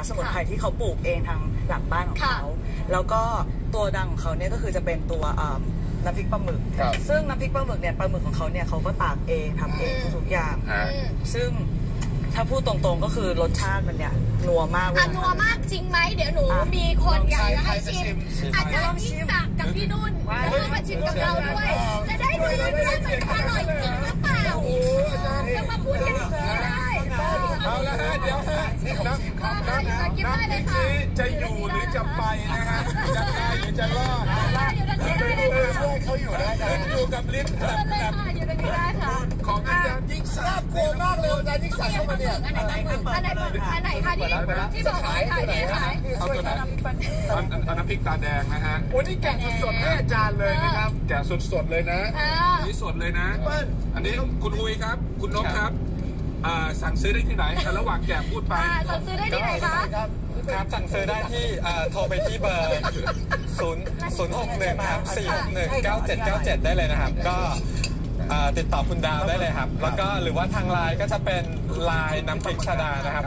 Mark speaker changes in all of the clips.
Speaker 1: สมุนไพรที่เขาปลูกเองทางหลังบ้านของเขาแล้วก็ตัวดังของเขาเนี่ยก็คือจะเป็นตัวน้ำพริกปลาหมึกซึ่งน้ำพริกปลาหมึกเนี่ยปลาหมึกของเขาเนี่ยเขาก็ตากเองทำเองทุกอย่างซึ่งถ้าพูดตรงๆก็คือรสชาติมันเนี่ยนัวมากเลย
Speaker 2: นัวมากจริงไหมเดี๋ยวหนูมีคนอยากให้ชิมอาจารย์ยิ่งศักดิ์กับพี่นุ่นจะมาชิมกับเราด้วยจะได้ดูว่ามันอร่อยจริงหรือเปล่าจะมาพูดกันอีกทีได้
Speaker 3: เอาละฮะเดี๋ยวฮะน้ำพริกนี้จะอยู่หรือจะไปนะฮะจะตายหรือจะรอดช่วยเขาอยู่ได้อยู่กับลิ้น
Speaker 2: อยู่ตรงนี้ได้ค่ะ
Speaker 3: ของอาจารย์ยิ่งศักดิ์กลัวมากเลยอาจารย์ยิ่งศักดิ์เข้ามาเนี่ย
Speaker 2: อันไหนคะที่บอกขาย
Speaker 3: เอาตัวไหนน้ำพริกตาแดงนะฮะโอ้นี่แกะสดๆให้อาจารย์เลยนะครับแกะสดๆเลยนะนี่สดเลยนะอันนี้คุณอุ้ยครับคุณนกครับสั่งซื้อได้ที่ไหนระหว่างแกะพูดไป
Speaker 2: สั่งซื้อได้ที่ไหนคะ
Speaker 4: ครับสั่งซื้อได้ที่โทรไปที่เบอร์061ครับ4619797ได้เลยนะครับก็ติดต่อคุณดาวได้เลยครับแล้วก็หรือว่าทางไลน์ก็จะเป็นไลน์น้ำพริกชดานะครับ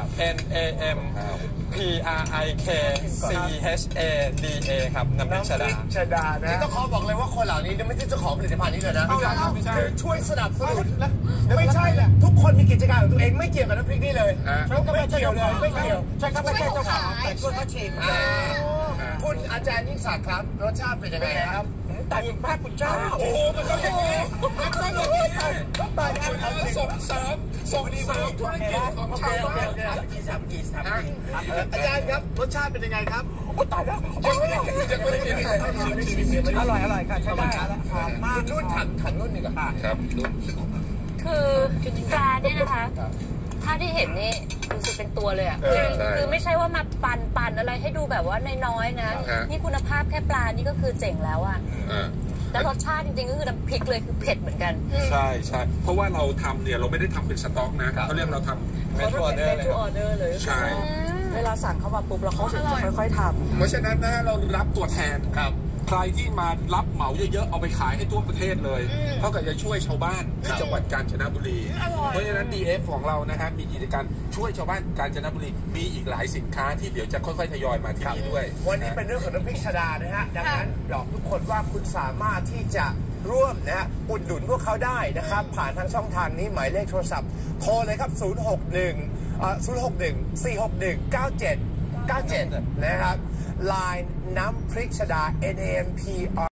Speaker 4: NAMPRIKCHADA ครับน้ำพริกชดา
Speaker 3: นะนี่ต้องขอบอกเลยว่าคนเหล่านี้ไม่ใช่เจ้าของผลิตภัณฑ์นี้เลยนะคือช่วยสนับสนุนไม่ใช่แหละทุกคนมีกิจการของตัวเองไม่เกี่ยวกับน้ำพริกนี่เลยไม่เกี่ยวเลยไม่เกี่ยว
Speaker 1: ใช่ครับไม่ใช่เจ้าของแต่ช่วยเขาชิม
Speaker 3: คุณอาจารย์ยิ่งศักดิ์ครับรสชาติเป็นยังไงครับ
Speaker 1: แต่คุณพระคุณเจ้า
Speaker 3: โอ้โหมันก็อย่างนี้มันก็อย่างนี้ตายแล้วส่งเสริมธุรกิจของชาวบ้านอาจารย์ครับรสชาติเป็นยังไงครับตายแล้วยังไม่ได้กิน
Speaker 1: อร่อยค่ะใช่ได้
Speaker 3: มากรุ่นถังรุ่นนี่ก็ครับ
Speaker 2: คือปลาเนี่ยนะคะถ้าที่เห็นนี่ดูสิเป็นตัวเลยอ่ะคือไม่ใช่ว่ามาปั่นอะไรให้ดูแบบว่าน้อยๆนะนี่คุณภาพแค่ปลานี่ก็คือเจ๋งแล้วอ่ะแล้วรสชาติจริงๆก็คือน้ำพริกเลยคือเผ็ดเหมือนกัน
Speaker 3: ใช่เพราะว่าเราทำเนี่ยเราไม่ได้ทำเป็นสต็อกนะเขาเรียกเราทำ
Speaker 1: เมนูออเดอร์เลย
Speaker 3: ใช่
Speaker 1: เวลาสั่งเข้ามาปุ๊บเราเขาจะค่อยๆทำ
Speaker 3: เพราะฉะนั้นนะเรารับตัวแทนครับใครที่มารับเหมาเยอะๆเอาไปขายให้ทั่วประเทศเลยเท่ากับจะช่วยชาวบ้านที่จังหวัดกาญจนบุรีเพราะฉะนั้น DF ของเรานะฮะมีกิจการช่วยชาวบ้านกาญจนบุรีมีอีกหลายสินค้าที่เดี๋ยวจะค่อยๆทยอยมาที่นี่ด้วยวันนี้เป็นเรื่องของน้ำพริกชดานะฮะดังนั้นบอกทุกคนว่าคุณสามารถที่จะร่วมนะฮะอุดหนุนพวกเขาได้นะครับผ่านทางช่องทางนี้หมายเลขโทรศัพท์โทรเลยครับ061 461 9797นะครับ Line น้ำพริกชดา NAMPR